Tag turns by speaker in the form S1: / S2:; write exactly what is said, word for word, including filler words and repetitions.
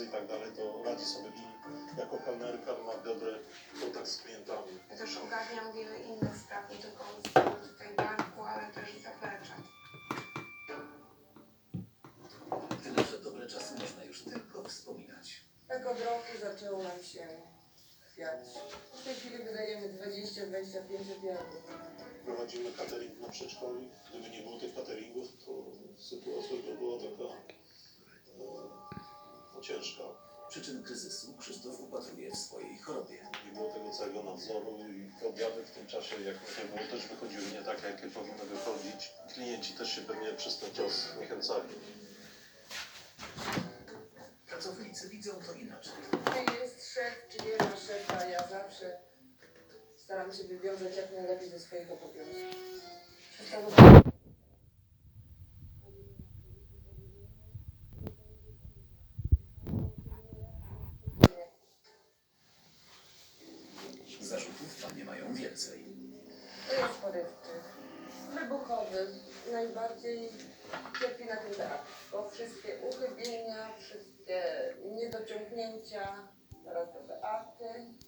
S1: imprezy i tak dalej, to radzi sobie i jako kelnerka ma dobry kontakt z klientami.
S2: Ja też ogarniam wiele innych spraw, nie tylko z tutaj barku, ale też i zaplecza.
S3: Tyle, że dobre czasy można już tylko wspominać.
S4: Tak od roku zaczęło nam się chwiać. W tej chwili wydajemy dwadzieścia do dwudziestu pięciu obiadów.
S1: Prowadzimy catering na przedszkoli. Gdyby nie było tych cateringów, to sytuacja by była taka no, ciężka.
S3: Przyczyn kryzysu Krzysztof upatruje w swojej chorobie.
S1: Nie było tego całego nadzoru i te obiady w tym czasie, jak nie było, też wychodziły nie tak, jakie powinny wychodzić. Klienci też się pewnie przez ten czas zniechęcali.
S3: Pracownicy widzą to inaczej.
S4: Czy jest szef, czy nie ma szefa, ja zawsze staram się wywiązać jak najlepiej ze swoich obowiązków.
S3: Zarzutów panie mają więcej.
S4: To jest porywczy, wybuchowy. Najbardziej cierpi na tym teatr, bo wszystkie uchybienia, wszystkie niedociągnięcia, teraz do Beaty.